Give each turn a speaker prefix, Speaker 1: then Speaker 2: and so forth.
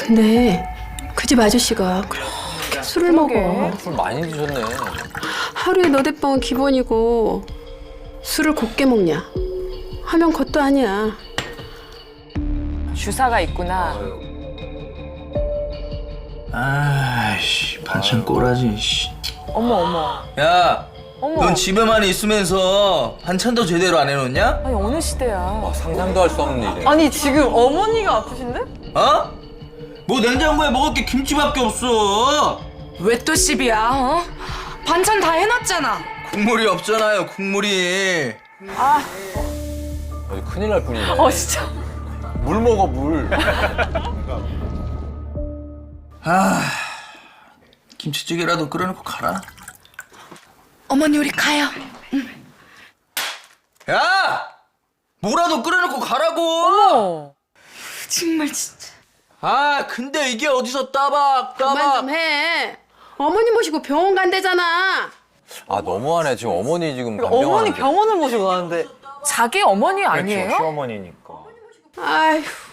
Speaker 1: 근데 그 집 아저씨가 그렇게 술을 먹어.
Speaker 2: 술 많이 드셨네.
Speaker 1: 하루에 너댓 번은 기본이고 술을 곱게 먹냐 하면 그것도 아니야.
Speaker 3: 주사가 있구나.
Speaker 4: 아이씨 반찬 꼬라지. 씨.
Speaker 3: 어머 어머.
Speaker 4: 야,
Speaker 3: 어머.
Speaker 4: 넌 집에만 있으면서 반찬도 제대로 안 해놓냐?
Speaker 3: 아니 어느 시대야.
Speaker 2: 와, 상상도 할 수 없는 일이야.
Speaker 5: 아니 지금 어머니가 아프신데?
Speaker 4: 어? 뭐 냉장고에 먹을 게 김치밖에 없어.
Speaker 6: 왜 또 시비야? 어? 반찬 다 해놨잖아.
Speaker 4: 국물이 없잖아요, 국물이.
Speaker 2: 아니, 큰일 날 뿐이네.
Speaker 3: 진짜.
Speaker 2: 물 먹어, 물.
Speaker 4: 김치찌개라도 끓여놓고 가라.
Speaker 6: 어머니 우리 가요.
Speaker 4: 야! 뭐라도 끓여놓고 가라고!
Speaker 3: 어머.
Speaker 6: 정말 진짜.
Speaker 4: 아, 근데 이게 어디서 따박
Speaker 1: 그만 좀 해. 어머니 모시고 병원 간대잖아.
Speaker 2: 아, 너무하네. 지금 어머니 지금
Speaker 5: 그러니까 어머니
Speaker 2: 간병하는데.
Speaker 5: 병원을 모시고 가는데
Speaker 3: 자기 어머니 아니에요?
Speaker 7: 그렇죠, 시어머니니까.
Speaker 1: 아휴.